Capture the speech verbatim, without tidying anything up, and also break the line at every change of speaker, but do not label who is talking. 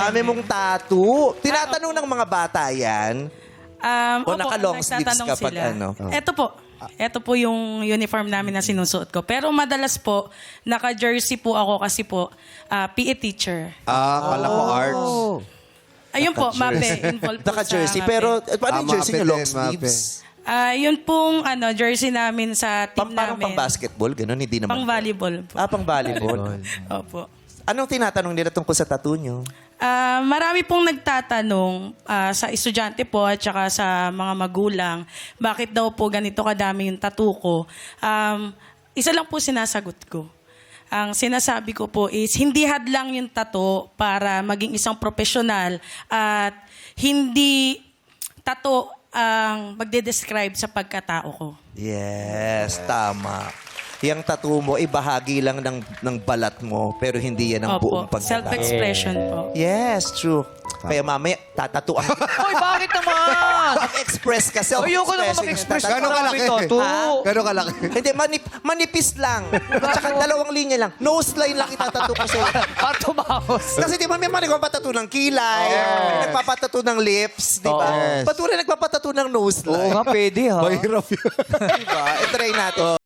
dami mong tattoo. Tinatanong ng mga bata yan.
Um,
O
opo,
naka-long sleeves
nagtatanong
kapag
sila.
ano?
Ito po. Ito po yung uniform namin na sinusuot ko. Pero madalas po, naka-jersey po ako kasi po, ah, P E teacher.
Ah, kala ko arts.
Ayun po, MAPE. Involved po
Naka-jersey.
sa MAPE.
Pero eh, paano yung
Ah,
jersey
mape
niyo? Long
din, mape.
sleeves?
Ah, yun pong ano, jersey namin sa team
Pang, parang
namin.
pang basketball? Ganun? Hindi naman.
Pang volleyball po.
Ah, pang volleyball.
Opo.
Anong tinatanong nila tungkol sa tattoo nyo?
Ah, marami pong nagtatanong ah, sa estudyante po at saka sa mga magulang, bakit daw po ganito kadami yung tattoo ko. Um, isa lang po sinasagot ko. Ang sinasabi ko po is, hindi hadlang yung tattoo para maging isang profesional at hindi tattoo ang magde-describe sa pagkatao ko.
Yes, tama. Yung tattoo mo, ibahagi lang ng, ng balat mo, pero hindi yan ang buong
Opo,
pagkatao.
self-expression po.
Yes, true. Kaya mamaya, tatatuan.
Uy, bakit naman?
Mag-express ka,
Ayoko naman
self-expressing.
mag-express.
Tatatu-
Gano'ng kalaki?
Tattoo.
Gano'ng kalaki?
Hindi, manip, manipis lang. At saka dalawang linya lang. Nose line lang itatato ko sa'yo.
Para tumamos.
Kasi di ba may mga nagpapatato ng kilay, may nagpapatato ng lips, di ba?
Yes.
Ba't wala nagpapatato ng nose
Oo
line?
nga, pwede ha.
Mahirap yun.
Di ba? I-try natin.